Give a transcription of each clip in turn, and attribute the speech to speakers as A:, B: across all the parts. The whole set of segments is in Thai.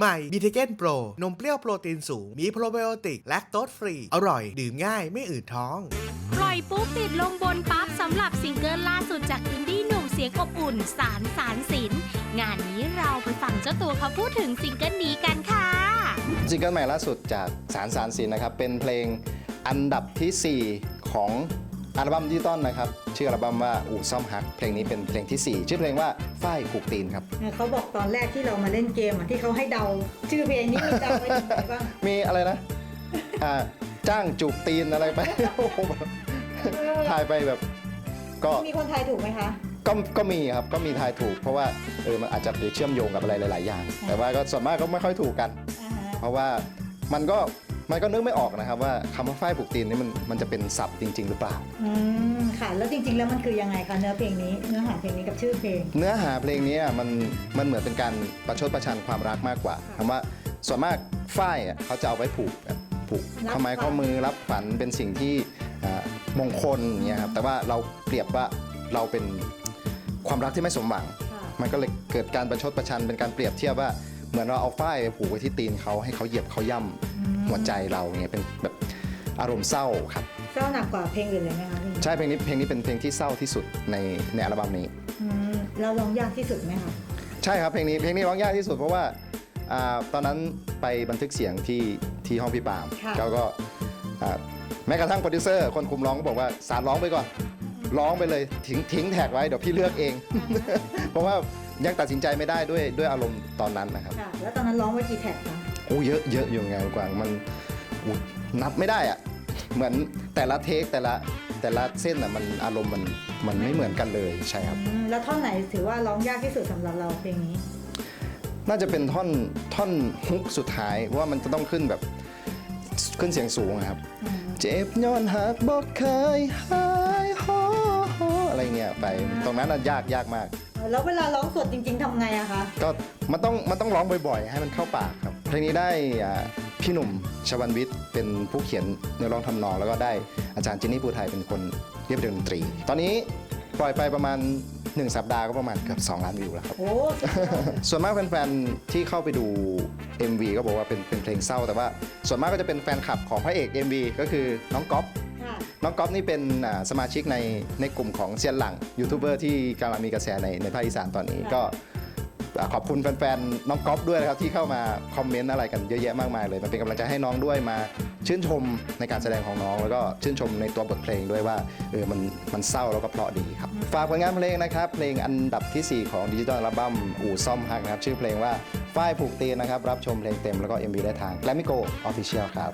A: ใหม่บีเทเกนโปรนมเปรี้ยวโปรตีนสูงมีโปรไบโอติกแลคโตสฟรีอร่อยดื่มง่ายไม่อืดท้อง
B: ปล่อยปุ๊บติดลงบนปั๊บสำหรับซิงเกิลล่าสุดจากอินดี้หนุ่มเสียงอบอุ่นสารสินงานนี้เราไปฟังเจ้าตัวเขาพูดถึงซิงเกิลนี้กันค่ะ
C: ซิงเกิลใหม่ล่าสุดจากสารสินนะครับเป็นเพลงอันดับที่ 4 ของอัลบั้มดิจิตอลนะครับชื่ออัลบั้มว่าอู่ซ่อมฮักเพลงนี้เป็นเพลงที่ 4 ชื่อเพลงว่าฝ้ายผูกตีนครับ
D: เขาบอกตอนแรกที่เรามาเล่นเกมที่เขาให้เดาชื่อเพลงนี้มีเดาไว้ถึงไหนบ้าง
C: มีอะไรนะจ้างจูบตีนอะไรไปทายไปแบบก็
D: มีคนทายถูกไหมคะ
C: ก็มีครับก็มีทายถูกเพราะว่ามันอาจจะไปเชื่อมโยงกับอะไรหลายๆอย่างแต่ว่าก็ส่วนมากก็ไม่ค่อยถูกกันเพราะว่ามันก็นึกไม่ออกนะครับว่าคำว่าฝ้ายผูกตีนนี่มันจะเป็นศัพท์จริงๆหรือเปล่า
D: ค่ะแล้วจริงๆแล้วมันคือยังไงคะเนื้อเพลงนี้เนื้อหาเพลงนี้กับชื่อเพลง
C: เนื้อหาเพลงนี้มันเหมือนเป็นการประชดประชันความรักมากกว่าคำว่าส่วนมากฝ้ายเขาจะเอาไว้ผูกข้อไม้ข้อมือรับฝันเป็นสิ่งที่มงคลอย่างเงี้ยครับแต่ว่าเราเปรียบว่าเราเป็นความรักที่ไม่สมหวังมันก็เลยเกิดการประชดประชันเป็นการเปรียบเทียบว่าเหมือนเราเอาฝ้ายไปผูกไว้ที่ตีนเขาให้เขาเหยียบเขาย่ำหัวใจเราเงี้ยเป็นแบบอารมณ์เศร้าครับ
D: เศร้าหนักกว่าเพลงอื่นเลยไหมคะ
C: ใช่เพลงนี้เป็นเพลงที่เศร้าที่สุดในอัลบั้มนี้
D: เราร้องยากที่สุดไหมคะ
C: ใช่ครับเพลงนี้ร้องยากที่สุดเพราะว่าตอนนั้นไปบันทึกเสียงที่ห้องพี่ปามแล้วก็แม้กระทั่งโปรดิวเซอร์คนคุมร้องก็บอกว่าสารร้องไปก่อนร้องไปเลยทิ้งแท็กไว้เดี๋ยวพี่เลือกเอง เพราะว่ายังตัดสินใจไม่ได้ด้วยอารมณ์ตอนนั้นนะครับ
D: แล้วตอนนั้นร้องไว้กี่แท็กคะ
C: โอ้เยอะอยู่ไงกว่ามันนับไม่ได้อะเหมือนแต่ละเทคแต่ละเส้นมันอารมณ์มันไม่เหมือนกันเลยใช่ครับ
D: แล้วท่อนไหนถือว่าร้องยากที่สุดสำหรับเราเพลงนี้
C: น่าจะเป็นท่อนฮุกสุดท้ายว่ามันจะต้องขึ้นเสียงสูงครับเจ็บย้อนหักบอกเคยหายฮออะไรเงี้ยไปตรงนั้นน่ะยากมาก
D: แล้วเวลาร้องสดจริงๆทำไงอะคะ
C: ก็มันต้องร้องบ่อยๆให้มันเข้าปากครับเพลงนี้ได้พี่หนุ่มชวันวิทย์เป็นผู้เขียนเนื้อร้องทำนองแล้วก็ได้อาจารย์จินนี่ภูไทยเป็นคนเรียบเรียงดนตรีตอนนี้ปล่อยไปประมาณ1 สัปดาห์ก็ประมาณเกือบ2 ล้านวิวแล้วครับส่วนมากแฟนๆที่เข้าไปดู MV ก็บอกว่าเป็นเพลงเศร้าแต่ว่าส่วนมากก็จะเป็นแฟนคลับของพระเอก MV ก็คือน้องก๊อฟนี่เป็นสมาชิกในกลุ่มของเซียนหลังยูทูบเบอร์ที่กำลังมีกระแสในภาคอีสานตอนนี้ก็ขอบคุณแฟนๆน้องก๊อฟด้วยนะครับที่เข้ามาคอมเมนต์อะไรกันเยอะแยะมากมายเลยมันเป็นกำลังใจให้น้องด้วยมาชื่นชมในการแสดงของน้องแล้วก็ชื่นชมในตัวบทเพลงด้วยว่ามันเศร้าแล้วก็เพราะดีครับฝากผลงานเพลงนะครับเพลงอันดับที่ 4 ของดิจิทัลอัลบั้มอู่ซ่อมฮักนะครับชื่อเพลงว่าฝ้ายผูกตีนนะครับรับชมเพลงเต็มแล้วก็ MV ได้ทาง Glammy Go Official ครับ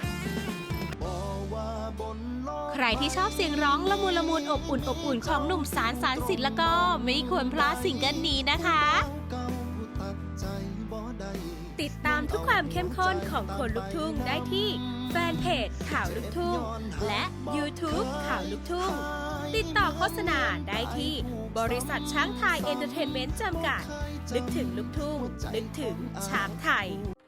B: ใครที่ชอบเสียงร้องละมุนอบอุ่นของหนุ่มสารสินแล้วก็ไม่ควรพลาดซิงเกิลนี้นะคะติดตามทุกความเข้มข้นของคนลุกทุ่งได้ที่แฟนเพจข่าวลุกทุ่งและ YouTube ข่าวลุกทุ่งติดต่อโฆษณาได้ที่บริษัทช้างไทยเอนเตอร์เทนเมนต์จำกัดนึกถึงลุกทุ่งนึกถึงช้างไทย